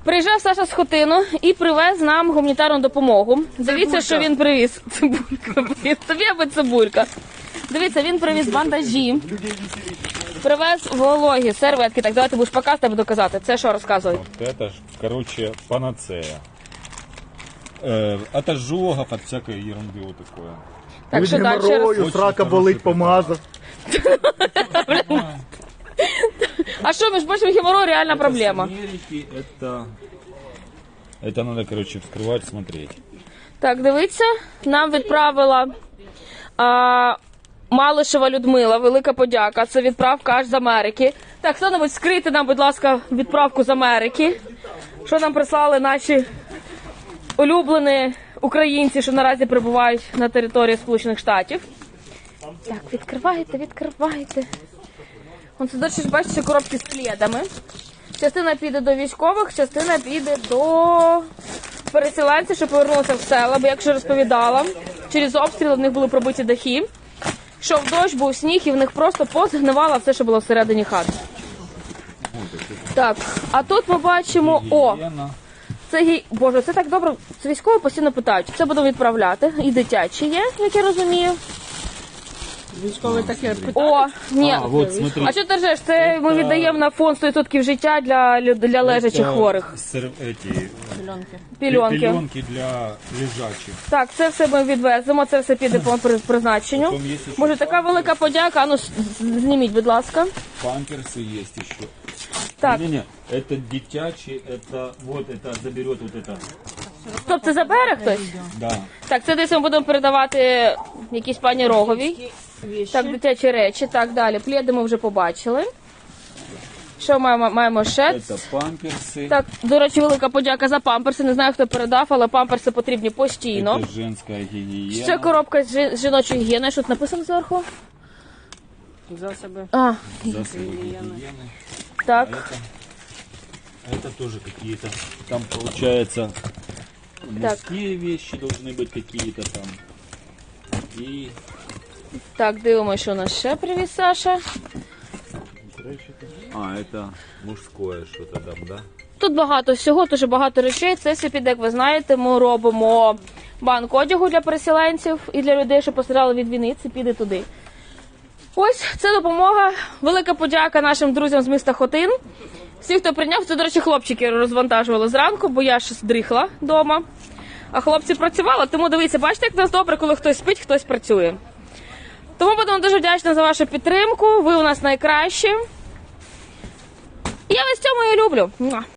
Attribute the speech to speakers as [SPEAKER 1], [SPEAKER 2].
[SPEAKER 1] Приїжджав Саша з Хотину і привез нам гуманітарну допомогу. Дивіться, що він привіз. Цибулька, блін, тобі аби цибулька. Дивіться, він привіз бандажі, привез вологі серветки. Так, давайте будеш показувати, я буду казати. Це що розказуй?
[SPEAKER 2] Вот это ж, короче, панацея. От ожогов, от всякой ерунды вот такое.
[SPEAKER 1] Так,
[SPEAKER 3] Від
[SPEAKER 1] що далі?
[SPEAKER 3] геморрою, срака болить, помазав.
[SPEAKER 1] А що, між прочим, геморрой реальна проблема.
[SPEAKER 2] С Америки это надо, короче, вскрывать, смотреть.
[SPEAKER 1] Так, дивіться, нам відправила Малишева Людмила, велика подяка. Це відправка аж з Америки. Так, хто-небудь скрийте нам, будь ласка, відправку з Америки. Що нам прислали наші улюблені українці, що наразі перебувають на території Сполучених Штатів. Так, відкривайте. Вон це, до речі, бачите, коробки з пледами. Частина піде до військових, частина піде до переселенців, що повернулися в села. Бо, як вже розповідала, через обстріли в них були пробиті дахи. Йшов дощ, був сніг, і в них просто позгнивало все, що було всередині хат. Так, а тут ми бачимо, Боже, це так добре, це військові постійно питають. Це будемо відправляти, і дитячі є, як я розумію.
[SPEAKER 4] Військові таке питають.
[SPEAKER 1] О, ні.
[SPEAKER 2] Вот, смотри.
[SPEAKER 1] А що ти ржеш? Це ми віддаємо на фонд 100% життя для лежачих хворих. Пільонки.
[SPEAKER 2] Пеленки для лежачих.
[SPEAKER 1] Так, це все ми відвеземо, це все піде по призначенню.
[SPEAKER 2] Потом есть еще
[SPEAKER 1] Може, така велика подяка, ну зніміть, будь ласка.
[SPEAKER 2] памперсы есть еще.
[SPEAKER 1] Так,
[SPEAKER 2] Не-не, это детячий, это вот это заберет вот это.
[SPEAKER 1] стоп, це забере хтось?
[SPEAKER 2] Да.
[SPEAKER 1] Так, це десь ми будемо передавати якійсь пані Роговій. Так, дитячі речі, так, далі. Пледи ми вже побачили. Що маємо ще?
[SPEAKER 2] Это памперсы.
[SPEAKER 1] Так, до речі, велика подяка за памперси. Не знаю, хто передав, але памперси потрібні постійно.
[SPEAKER 2] Это женская гигиена.
[SPEAKER 1] Ще коробка з жіночої гігієни. Що тут написано зверху?
[SPEAKER 4] Засоби.
[SPEAKER 2] Засобы гигиены.
[SPEAKER 1] Так.
[SPEAKER 2] Это тоже какие-то, там получается мужские вещи должны быть какие-то там. И
[SPEAKER 1] Так, дивимося, що у нас ще привіз Саша.
[SPEAKER 2] это мужское что-то там, да?
[SPEAKER 1] Тут багато всього, дуже багато речей. Це все піде, як ви знаєте, ми робимо банк одягу для переселенців і для людей, що постраждали від війни. Це піде туди. Ось, це допомога. Велика подяка нашим друзям з міста Хотин. Всі, хто прийняв, це, до речі, хлопчики розвантажували зранку, бо я ж здрихла вдома. А хлопці працювали, тому дивіться, бачите, як в нас добре, коли хтось спить, хтось працює. Тому будемо дуже вдячні за вашу підтримку. Ви у нас найкращі. І я вас в цьому і люблю.